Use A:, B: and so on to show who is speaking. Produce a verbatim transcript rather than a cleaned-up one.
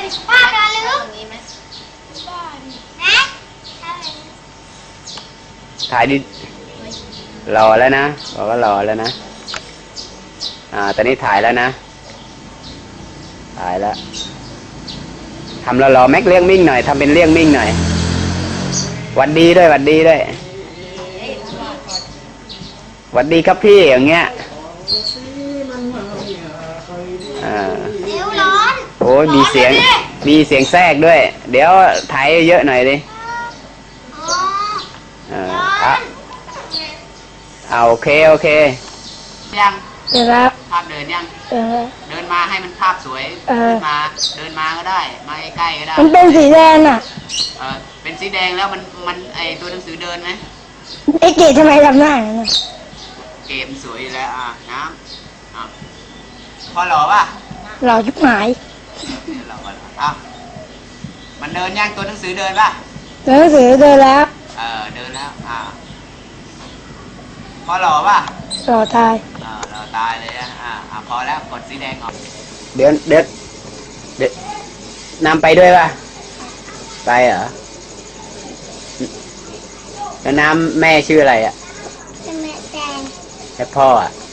A: ป้าเดินลึกนะ
B: ถ่ายดิรอแล้วนะบอกว่ารอแล้วนะอ่าตอนนี้ถ่ายแล้วนะถ่ายแล้วทำรอรอแม็กเลี้ยงมิ่งหน่อยทำเป็นเลี้ยงมิ่งหน่อยหวัดดีด้วยหวัดดีด้วยหวัดดีครับพี่อย่างเงี้ยอ่า
A: เดี๋ยวร้อน
B: โอ้ยมีเสียงมีเสียงแทรกด้วยเดี๋ยวถ่ายเยอะหน่อยดิอ่าอ่ะเอาโอเคโอเค
C: ยัง
D: เดี๋ยวครับ
C: ภาพเดินยัง
D: เออ
C: เดินมาให้มันภาพสวยเดินมาเดินมาก็ได้มาใกล้ๆก็ได้
D: มันเป็นสีแดงอ่ะ
C: เออเป็นสีแดงแล้วมันมันไอตัวหนังสือเดินไหม
D: ไอ้เกดทำไมทำหน้าอย่างนั้น
C: เกมสวยแล้วอ่ะน้ำอ่ะพอหล่อป่ะ
D: หล่อยุบหาย
C: หล่ออ่ะมันเดินยังตัวหนังสือเดินป่ะ
D: หนังสือเดินแล้ว
C: เออเดินแล้วอ่ะพอหล่อป่ะ
D: หล่อตาย
C: อ่าหล่อตายเลยอ่ะอ่ะพอแล้วกดสีแดงออก
B: เดี๋ยวเดี๋ยวเดี๋ยวนำไปด้วยป่ะไปเหรอแล้วน้ำแม่ชื่ออะไรอ่ะ
A: แม่แดง
B: แล้วพ่ออ่ะ